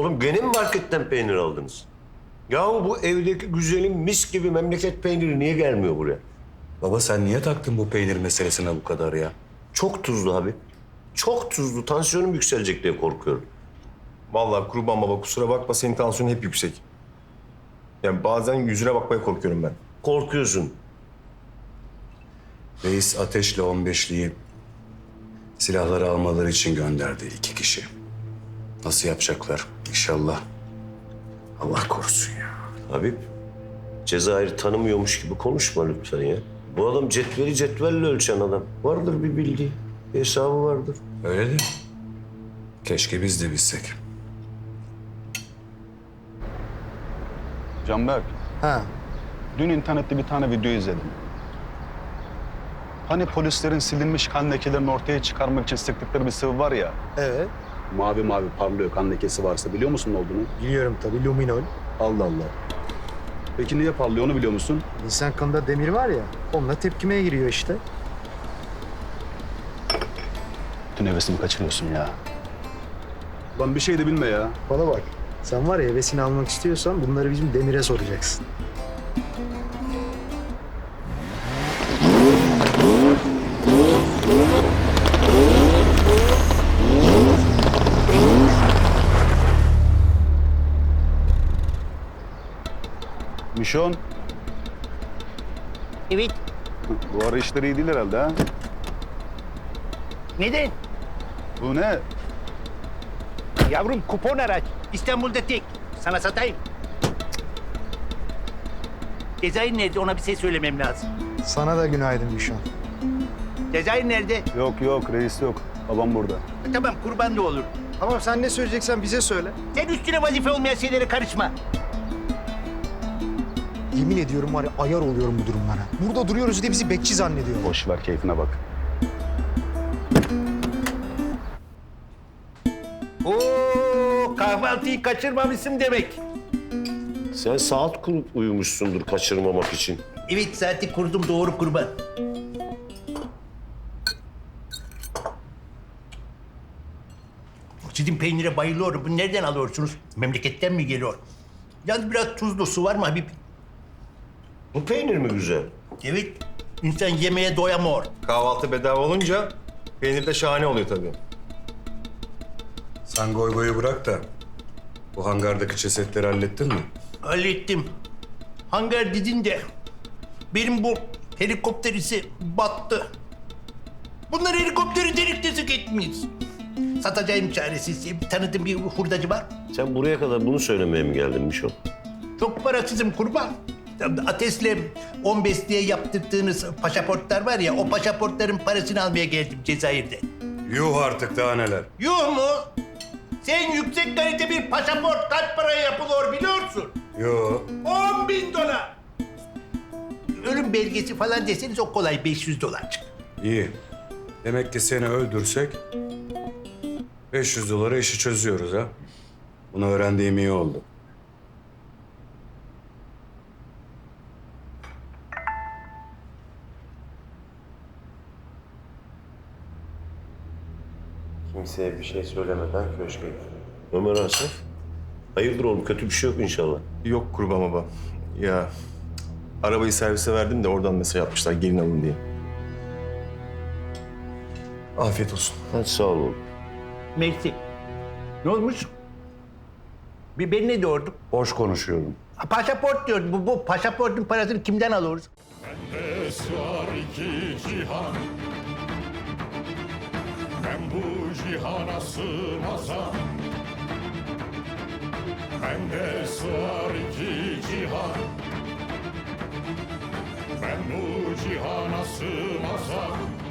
Oğlum gene mi marketten peynir aldınız? Yahu bu evdeki güzelim mis gibi memleket peyniri niye gelmiyor buraya? Baba sen niye taktın bu peynir meselesine bu kadar ya? Çok tuzlu abi. Çok tuzlu. Tansiyonum yükselecek diye korkuyorum. Vallahi kurban baba kusura bakma senin tansiyonun hep yüksek. Yani bazen yüzüne bakmaya korkuyorum ben. Korkuyorsun. Reis Ateş'le 15'liyi silahları almaları için gönderdi 2 kişi. Nasıl yapacaklar inşallah? Allah korusun ya. Habib, Cezayir tanımıyormuş gibi konuşma lütfen ya. Bu adam cetveli cetvelle ölçen adam. Vardır bir bildiği, bir hesabı vardır. Öyle de keşke biz de bilsek. Canberk, Ha, dün internette bir tane video izledim. Hani polislerin silinmiş kan lekelerini ortaya çıkarmak için sıktıkları bir sıvı var ya. evet. Mavi mavi parlıyor kan lekesi varsa biliyor musun ne olduğunu? Biliyorum tabii, luminol. Allah Allah. Peki niye parlıyor onu biliyor musun? İnsan kanında demir var ya, onunla tepkimeye giriyor işte. Bütün hevesimi kaçırıyorsun ya. Lan bir şey de bilme ya. Bana bak, sen var ya hevesini almak istiyorsan bunları bizim demire soracaksın. Mişon, Evet. bu ara işleri iyi değil herhalde ha? Neden? Bu ne? Yavrum kupon araç. İstanbul'da tek. Sana satayım. Cezayir nerede? Ona bir şey söylemem lazım. Sana da günaydın Müşan. Cezayir nerede? Yok reis yok. Babam burada. Tamam kurban da olur. Tamam, sen ne söyleyeceksen bize söyle. Sen üstüne vazife olmayan şeylere karışma. Yemin ediyorum var ya, ayar oluyorum bu durumlara. Burada duruyoruz diye bizi bekçi zannediyor. Boş ver keyfine bak. Oo, kahvaltıyı kaçırmamışsın demek. Sen saat kurup uyumuşsundur kaçırmamak için. Evet, saati kurdum, doğru kurban. Sizin peynire bayılıyorum. Bunu nereden alıyorsunuz? Memleketten mi geliyor? Yalnız biraz tuzlu. Su var mı Habib? Bu peynir mi güzel? Evet. İnsan yemeğe doyamıyor. Kahvaltı bedava olunca peynir de şahane oluyor tabii. Sen goy goyu bırak da bu hangardaki cesetleri hallettin mi? Hallettim. Hangar dedin de benim bu helikopter ise battı. Bunlar helikopteri delik deşik etmiş. Satacağım çaresiz. Tanıdığım bir hurdacı var. Sen buraya kadar bunu söylemeye mi geldin Mişon? Çok parasızım kurban. Ates'le 15 diye yaptırdığınız pasaportlar var ya, o pasaportların parasını almaya geldim Cezayir'de. Yuh artık daha neler. Yuh mu? Sen yüksek kalite bir pasaport kaç paraya yapılıyor biliyorsun? Yo. 10.000 dolar. Ölüm belgesi falan deseniz o kolay 500 dolar. İyi. Demek ki seni öldürsek 500 dolara işi çözüyoruz ha. Bunu öğrendiğim iyi oldu. Kimseye bir şey söylemeden köşke git. Ömer Asaf. Hayırdır oğlum kötü bir şey yok inşallah. Yok kurban baba. Ya arabayı servise verdim de oradan mesaj atmışlar gelin alın diye. Afiyet olsun. Hadi sağ ol oğlum. Mersi. Ne olmuş? Ben ne diyordum? Boş konuşuyorum. Pasaport diyordum. Bu pasaportun parasını kimden alıyoruz? Bende sığar iki cihan. Ben bu cihana sığmazam. Bende sığar iki cihan. Ben bu cihana sığmazam.